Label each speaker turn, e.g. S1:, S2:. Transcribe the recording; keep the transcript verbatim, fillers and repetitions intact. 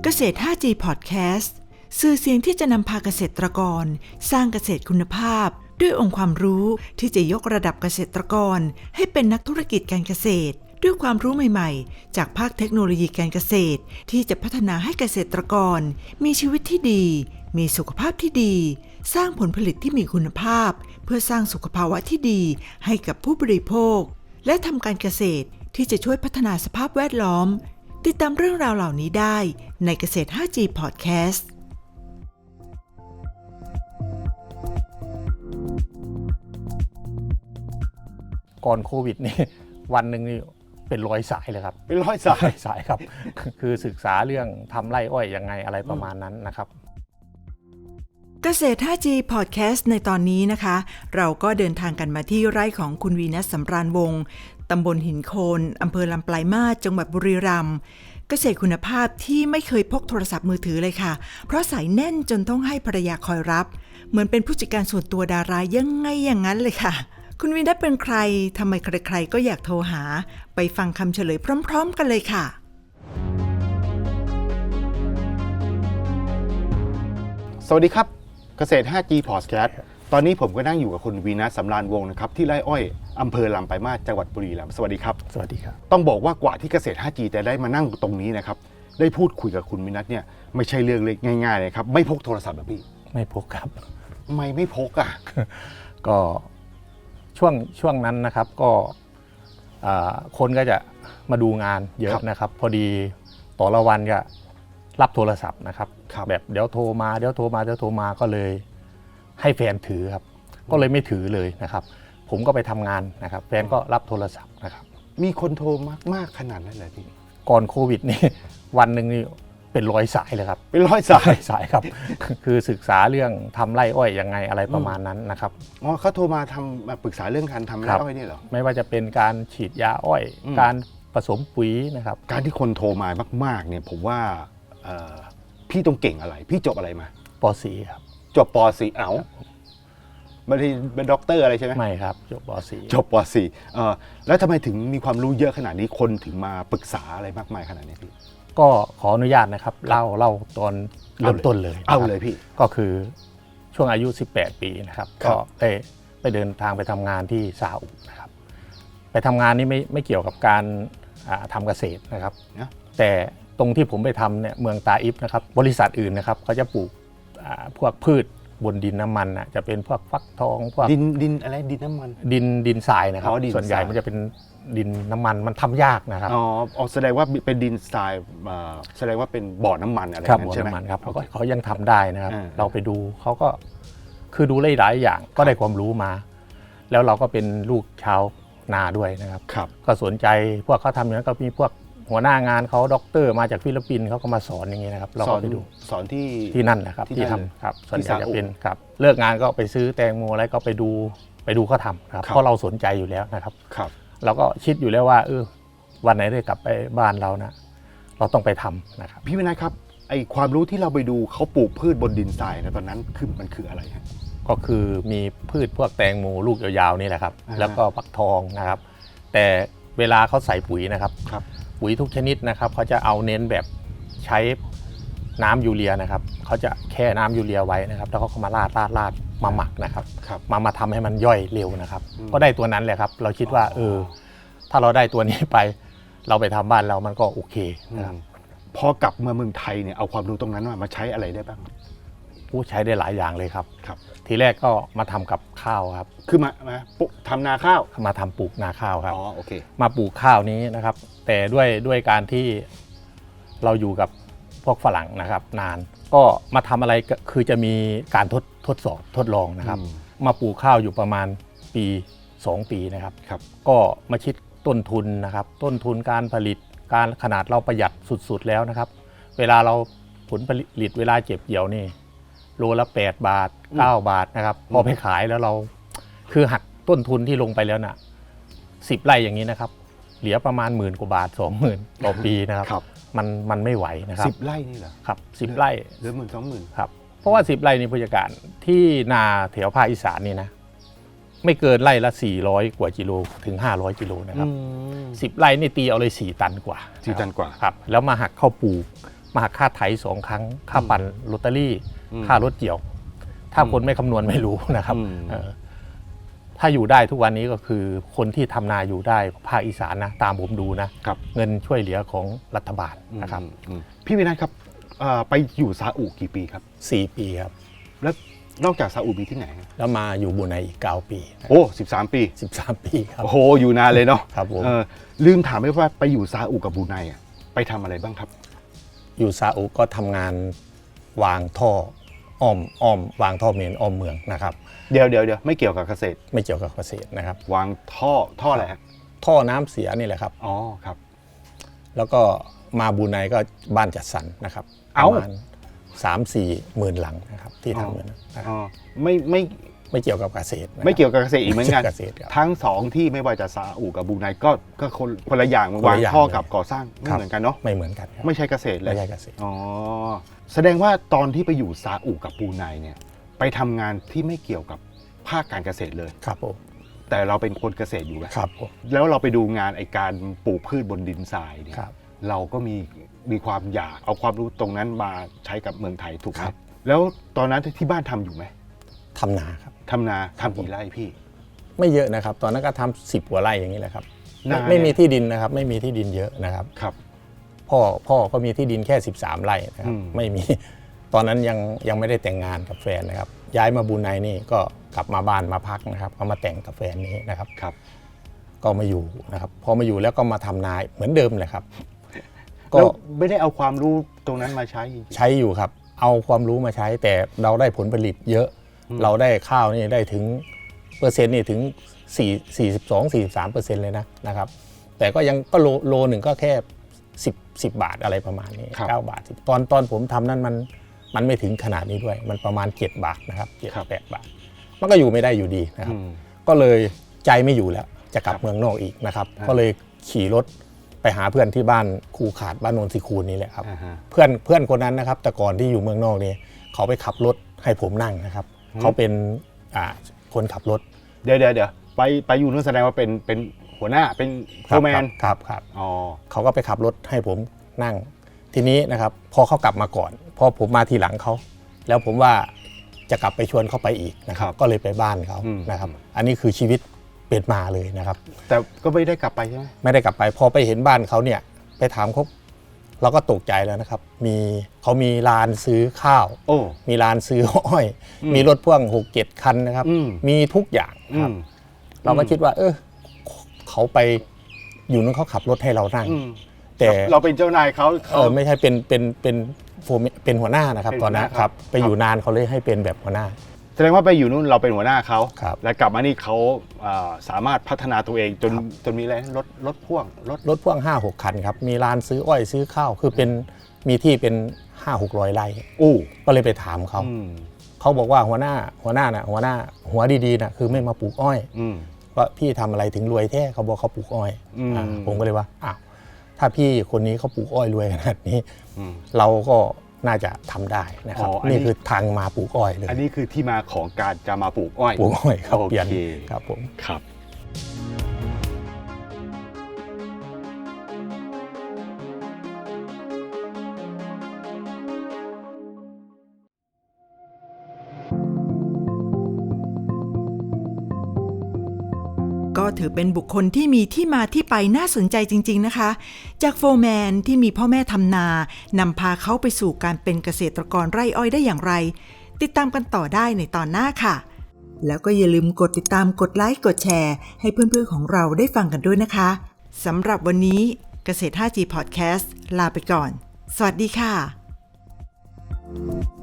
S1: เกษตร ห้าจี Podcast สื่อเสียงที่จะนำพาเกษตรกรสร้างเกษตรคุณภาพด้วยองค์ความรู้ที่จะยกระดับเกษตรกรให้เป็นนักธุรกิจการเกษตรด้วยความรู้ใหม่ๆจากภาคเทคโนโลยีการเกษตรที่จะพัฒนาให้เกษตรกรมีชีวิตที่ดีมีสุขภาพที่ดีสร้างผลผลิตที่มีคุณภาพเพื่อสร้างสุขภาวะที่ดีให้กับผู้บริโภคและทำการเกษตรที่จะช่วยพัฒนาสภาพแวดล้อมติดตามเรื่องราวเหล่านี้ได้ในเกษตร ห้าจี Podcast
S2: ก่อนโควิดนี่วันหนึ่งนี่เป็นร้อยสายเลยครับ
S3: เป็นร้อยสาย
S2: สายครับ คือศึกษาเรื่องทำไร่อ้อยยังไงอะไรประมาณนั้นนะครับ
S1: เกษตร ห้าจี Podcast ในตอนนี้นะคะเราก็เดินทางกันมาที่ไร่ของคุณวีนัสสำราญวงศ์ตำบลหินโคนอำเภอลำปลายมาศจังหวัดบุรีรัมย์เกษตรคุณภาพที่ไม่เคยพกโทรศัพท์มือถือเลยค่ะเพราะสายแน่นจนต้องให้ภรรยาคอยรับเหมือนเป็นผู้จัดการส่วนตัวดารายังไงอย่างนั้นเลยค่ะคุณวีนัสเป็นใครทำไมใครๆก็อยากโทรหาไปฟังคำเฉลยพร้อมๆกันเลยค่ะ
S3: สวัสดีครับเกษตร ห้าจี Podcast ตอนนี้ผมก็นั่งอยู่กับคุณวีนัสสำราญวงศ์นะครับที่ไร่อ้อยอำเภอลำปลายมาศจังหวัดบุรีรัมย์สวัสดีครับ
S2: สวัสดีครับ
S3: ต้องบอกว่ากว่าที่เกษตร ห้าจี จะได้มานั่งตรงนี้นะครับได้พูดคุยกับคุณวีนัสเนี่ยไม่ใช่เรื่องเล็กง่ายๆเลยครับไม่พกโทรศัพท์แบบพี่
S2: ไม่พกครับ
S3: ทำไมไม่พกอ่ะ
S2: ก็ช่วงช่วงนั้นนะครับก็คนก็จะมาดูงานเยอะนะครับพอดีต่อละวันก็รับโทรศัพท์นะครับแบบเดี๋ยวโทรมาเดี๋ยวโทรมาเดี๋ยวโทรมาก็เลยให้แฟนถือครับก็เลยไม่ถือเลยนะครับผมก็ไปทำงานนะครับแฟนก็รับโทรศัพท์นะครับ
S3: มีคนโทรมากๆขนาดนั้นเลยพี่
S2: ก่อนโควิดนี่วันหนึ่งนี่เป็นร้อยสายเลยครับ
S3: เป็นร้อยสาย
S2: สายครับ คือศึกษาเรื่องทำไร่อ้อยยังไงอะไรประมาณนั้นนะครับ
S3: อ๋อเขาโทรมาทำมาปรึกษาเรื่องการทำไร่อ้อยนี่เหรอ
S2: ไม่ว่าจะเป็นการฉีดยาอ้อยการผสมปุ๋ยนะครับ
S3: การที่คนโทรมามากๆเนี่ยผมว่าพี่ต้องเก่งอะไรพี่จบอะไรมา
S2: ป.สี่ ครับ
S3: จบป.สี่ เอ้าไม่ได้เป็นด็อกเตอร์อะไรใช่ไหม
S2: ไม่ครับจบป.สี่
S3: จบป.สี่ เออแล้วทำไมถึงมีความรู้เยอะขนาดนี้คนถึงมาปรึกษาอะไรมากมายขนาดนี้พี่
S2: ก็ขออนุญาตนะครับเล่าเล่าตอนเริ่มต้นเลย
S3: เอาเลยพี่
S2: ก็คือช่วงอายุสิบแปดปีนะครับก็ไปไปเดินทางไปทำงานที่ซาอุนะครับไปทำงานนี่ไม่ไม่เกี่ยวกับการทำเกษตรนะครับแต่ตรงที่ผมไปทำเนี่ยเมืองตาอิฟนะครับบริษัทอื่นนะครับเขาจะปลูกพวกพืชบนดินน้ำมันอ่ะจะเป็นพวกฟักทองพวก
S3: ดินดินอะไรดินน้ำมัน
S2: ดินดินทรายนะครับส่วนใหญ่มันจะเป็นดินน้ำมันมันทำยากนะครับ
S3: อ๋อแสดงว่าเป็นดินทรายแสดงว่าเป็นบ่อน้ำมันอะไร
S2: นั้นใช่ไหมครับเขาเขายังทำได้นะครับเราไปดูเขาก็คือดูหลายอย่างก็ได้ความรู้มาแล้วเราก็เป็นลูกชาวนาด้วยนะครับก็สนใจพวกเขาทำอย่างนั้นก็มีพวกหัวหน้างานเขาด็อกเตอร์มาจากฟิลิปปินส์เขาก็มาสอนอย่างเงี้ยนะครับเราก็ไปดู
S3: สอนที่
S2: ที่นั่นนะครับที่ทำครับส่วนใหญ่จะเป็นครับเลิกงานก็ไปซื้อแตงโมอะไรก็ไปดูไปดูเขาทำครับเพราะเราสนใจอยู่แล้วนะครับเราก็คิดอยู่แล้วว่าเออวันไหนได้กลับไปบ้านเรานะเราต้องไปทำนะครับ
S3: พี่วินัยครับไอความรู้ที่เราไปดูเขาปลูกพืชบนดินทรายนะตอนนั้นคือมันคืออะไรฮะ
S2: ก็คือมีพืชพวกแตงโมลูกยาวๆนี่แหละครับแล้วก็ฟักทองนะครับแต่เวลาเขาใส่ปุ๋ยนะครับปุ๋ยทุกชนิดนะครับเขาจะเอาเน้นแบบใช้น้ำยูเรียนะครับเขาจะแค่น้ำยูเรียไว้นะครับแล้วเขาก็มาราดราดราดมาหมักนะครับมามาทำให้มันย่อยเร็วนะครับก็ได้ตัวนั้นแหละครับเราคิดว่าเออถ้าเราได้ตัวนี้ไปเราไปทำบ้านเรามันก็โอเคนะครับ
S3: พอกลับมาเมืองไทยเนี่ยเอาความรู้ตรงนั้นมาใช้อะไรได้บ้าง
S2: ผู้ใช้ได้หลายอย่างเลยครับทีแรกก็มาทำกับข้าวครับ
S3: คือมามาทำนาข้าว
S2: มาทำปลูกนาข้าวครับ
S3: อ๋อโอเค
S2: มาปลูกข้าวนี้นะครับแต่ด้วยด้วยการที่เราอยู่กับพวกฝรั่งนะครับนานก็มาทำอะไรคือจะมีการทดทดสอบทดลองนะครับมาปลูกข้าวอยู่ประมาณปีสองปีนะครับก็มาคิดต้นทุนนะครับต้นทุนการผลิตการขนาดเราประหยัดสุดๆแล้วนะครับเวลาเราผลผลิตเวลาเก็บเกี่ยวนี่โลละแปดบาทเก้าบาทนะครับพอไปขายแล้วเราคือหักต้นทุนที่ลงไปแล้วน่ะสิบไร่อย่างนี้นะครับเหลือประมาณหมื่นกว่าบาทสองหมื่นต่อปีนะครับมันมันไม่ไหวนะครับ
S3: สิบไร่นี่เหรอ
S2: ครับสิบไร่
S3: เหลือหมื่นสองหมื่น
S2: ครับเพราะว่าสิบไร่นี่ผู้จัดการที่นาแถวภาคอีสานนี่นะไม่เกินไร่ละสี่ร้อยกว่ากิโลถึงห้าร้อยกิโลนะครับสิบไร่นี่ตีเอาเลยสี่ตันกว่า
S3: สี่ตันกว่า
S2: ครับแล้วมาหักข้าวปลูกมาหักค่าไถสองครั้งค่าปั่นลอตเตอรี่
S3: อืม
S2: ค่ารถเกี่ยว ถ้าคนไม่คำนวณไม่รู้นะครับ
S3: อืม
S2: เออถ้าอยู่ได้ทุกวันนี้ก็คือคนที่ทำนาอยู่ได้ภาคอีสานนะตามผมดูนะครับ เงินช่วยเหลือของรัฐบาลนะครับ
S3: อืมอืมพี่วินัทครับเอ่อไปอยู่ซาอุกี่ปีครับ
S2: สี่ปีครับ
S3: แล้วนอกจากซาอุมีที่ไหนครับ
S2: แล้วมาอยู่บรูไนอีกเก้าปี
S3: โอ้สิบสามปี
S2: สิบสามปีครับ
S3: โอ้โหอยู่นานเลยเนาะ
S2: ครับผม
S3: เออลืมถามไปว่าไปอยู่ซาอุกับบรูไนอ่ะไปทำอะไรบ้างครับ
S2: อยู่ซาอุก็ทำงานวางท่ออ้อมอ้อมวางท่อเมนอ้อมเมืองนะครับ
S3: เดี๋ยวเดี๋ยวเดี๋ยวไม่เกี่ยวกับเกษตร
S2: ไม่เกี่ยวกับเกษตรนะครับ
S3: วางท่อท่ออะไรฮะ
S2: ท่อน้ำเสียนี่แหละครับ
S3: อ๋อครับ
S2: แล้วก็มาบรูไนก็บ้านจัดสรรนะครับ
S3: เอ้า
S2: ประมาณสามสี่หมื่นหลังนะครับที่ทำอยู่นะครับ
S3: อ๋อไม่ไม่
S2: ไม่เกี่ยวกับเกษตรนะครับ
S3: ไม่เกี่ยวกับเกษตรอีกเหมือนกัน
S2: ไม่เกี่ยวกับเกษตรครับ
S3: ทั้งสองที่ไม่ว่าจะซาอุกับบรูไนก็ก็คนคนละอย่าง
S2: คน
S3: วาง
S2: ละอย่าง
S3: ท่อ
S2: เลย
S3: กับก่อสร้างไม่
S2: ครับ
S3: เหมือนกันเนาะ
S2: ไม่เหมือนกันครับ
S3: ไม่ใช่เกษตรเลย
S2: ไม่ใช่เกษตร
S3: อ๋อแสดงว่าตอนที่ไปอยู่ซาอุกับบรูไนเนี่ยไปทำงานที่ไม่เกี่ยวกับภาคการเกษตรเลย
S2: ครับผม
S3: แต่เราเป็นคนเกษตรอยู่ไหม
S2: ครับผม
S3: แล้วเราไปดูงานไอการปลูกพืชบนดินทรายเนี่ย
S2: ครับ
S3: เราก็มีมีความอยากเอาความรู้ตรงนั้นมาใช้กับเมืองไทยถูกไหม
S2: ครับ
S3: แล้วตอนนั้นที่บ้านทำอยู่ไหม
S2: ทำนาครับ
S3: ทำนาทำกี่ไร่พี่
S2: ไม่เยอะนะครับ ตอนนั้นก็ทำสิบกว่าไร่อย่างนี้แหละครับ
S3: นา
S2: ไม่
S3: เนี่ย
S2: ไม่มีที่ดินนะครับ ไม่มีที่ดินเยอะนะครับ
S3: ครับ
S2: พ่อพ่อก็มีที่ดินแค่สิบสามไร่นะครับ
S3: อืม
S2: ไม่มี ตอนนั้นยังยังไม่ได้แต่งงานกับแฟนนะครับ ย้ายมาบรูไนนี่ก็กลับมาบ้านมาพักนะครับก็มาแต่งกับแฟนนี้นะครับ
S3: ครับ
S2: ก็มาอยู่นะครับพอมาอยู่แล้วก็มาทำนาเหมือนเดิมเลยครับ ก็
S3: แล้วไม่ได้เอาความรู้ตรงนั้นมาใช้จริง
S2: ใช้อยู่ครับ เอาความรู้มาใช้ แต่เราได้ผลผลิตเยอะ
S3: อืม
S2: เราได้ข้าวนี่ได้ถึงเปอร์เซ็นต์นี่ถึง4 42 43เปอร์เซ็นต์เลยนะนะครับ แต่ก็ยังก็โลโลหนึ่งก็แค่10 10 บาทอะไรประมาณนี้
S3: ครับ
S2: เก้าบาท10ตอนตอนผมทำนั้นมันมันไม่ถึงขนาดนี้ด้วย มันประมาณเจ็ดบาทนะครับเจ็ด
S3: ครับ
S2: แปดบาท มันก็อยู่ไม่ได้อยู่ดีนะค
S3: ๆ
S2: รับ
S3: อืม
S2: ก็เลยใจไม่อยู่แล้วจะกลับ
S3: ครับ
S2: เมืองนอกอีกนะครับ
S3: อ่า
S2: ก็เลยขี่รถไปหาเพื่อนที่บ้านคูขาดบ้านโนนทรีคูนนี่แหละครับ
S3: อ่าฮะ
S2: เพื่อนเพื่อนคนนั้นนะครับ แต่ก่อนที่อยู่เมืองนอกนี่เขาไปขับรถให้ผมนั่งนะครับ
S3: อืม
S2: เขาเป็นอ่าคนขับรถ
S3: เดี๋ยวเดี๋ยวเดี๋ยวไปไปอยู่นู่นแสดงว่าเป็นเป็นหัวหน้าเป็นโฟ
S2: ครับ
S3: ร์แมน
S2: ครับครับ
S3: อ๋อ
S2: เขาก็ไปขับรถให้ผมนั่ง ทีนี้นะครับพอเขากลับมาก่อนพอผมมาทีหลังเขาแล้วผมว่าจะกลับไปชวนเขาไปอีกนะครับ ก็เลยไปบ้านเขา
S3: อืม
S2: นะครับ อันนี้คือชีวิตเป็นมาเลยนะครับ
S3: แต่ก็ไม่ได้กลับไปใช่ไหม
S2: ไม่ได้กลับไปพอไปเห็นบ้านเขาเนี่ยไปถามเขาเราก็ตกใจแล้วนะครับ มีเขามีร้านซื้อข้าว
S3: โอ้
S2: มีร้านซื้ออ้อย
S3: อืม
S2: มีรถพ่วงหกเจ็ดคันนะครับ
S3: อืม
S2: มีทุกอย่าง
S3: อื
S2: ครับ
S3: ม
S2: เราก็คิดว่า เออเขาไปอยู่นั้นเขาขับรถให้เรานั่ง
S3: อืม
S2: แต่
S3: เราเป็นเจ้านายเขา
S2: เอ
S3: เขา
S2: อไม่ใช่เป็นเป็นเป็นโฟร์แมนเป็นหัวหน้านะครับ
S3: เป็น
S2: ตอนนั้น
S3: หัวหน้า
S2: ครับ
S3: ครับ
S2: ไปอยู่นานเขาเลยให้เป็นแบบหัวหน้า
S3: แสดงว่าไปอยู่นู่นเราเป็นหัวหน้าเขา
S2: ครับ
S3: และกลับมานี่เขาอ่าสามารถพัฒนาตัวเองจน
S2: ครับ
S3: จนมีอะไรรถรถพ่วงรถ
S2: รถพ่วงห้าหกคันครับมีร้านซื้ออ้อยซื้อข้าวคือเป็นมีที่เป็นห้าหกร้อยไร่
S3: อู้
S2: ก็เลยไปถามเขา
S3: อืม
S2: เขาบอกว่าหัวหน้าหัวหน้าน่ะหัวหน้าหัวดีๆน่ะคือไม่มาปลูกอ้อย
S3: อืม
S2: ว่าพี่ทำอะไรถึงรวยแท้เขาบอกเขาปลูกอ้อย
S3: อืม
S2: อ่าผมก็เลยว่าอ้าวถ้าพี่คนนี้เขาปลูกอ้อยรวยขนาดนี้
S3: อืม
S2: เราก็น่าจะทำได้นะครับ
S3: อ๋ออันนี้
S2: นี่คือทางมาปลูกอ้อยเลย
S3: อันนี้คือที่มาของการจะมาปลูกอ้อย
S2: ปลูกอ้อยครับ
S3: โอ
S2: เปลี่ยน
S3: เค
S2: ครับผม
S3: ครับ
S1: ก็ถือเป็นบุคคลที่มีที่มาที่ไปน่าสนใจจริงๆนะคะ จากโฟร์แมนที่มีพ่อแม่ทำนานำพาเขาไปสู่การเป็นเกษตรกรไร่อ้อยได้อย่างไร ติดตามกันต่อได้ในตอนหน้าค่ะ แล้วก็อย่าลืมกดติดตามกดไลค์กดแชร์ให้เพื่อนๆของเราได้ฟังกันด้วยนะคะสำหรับวันนี้เกษตร ห้าจี Podcast ลาไปก่อน สวัสดีค่ะ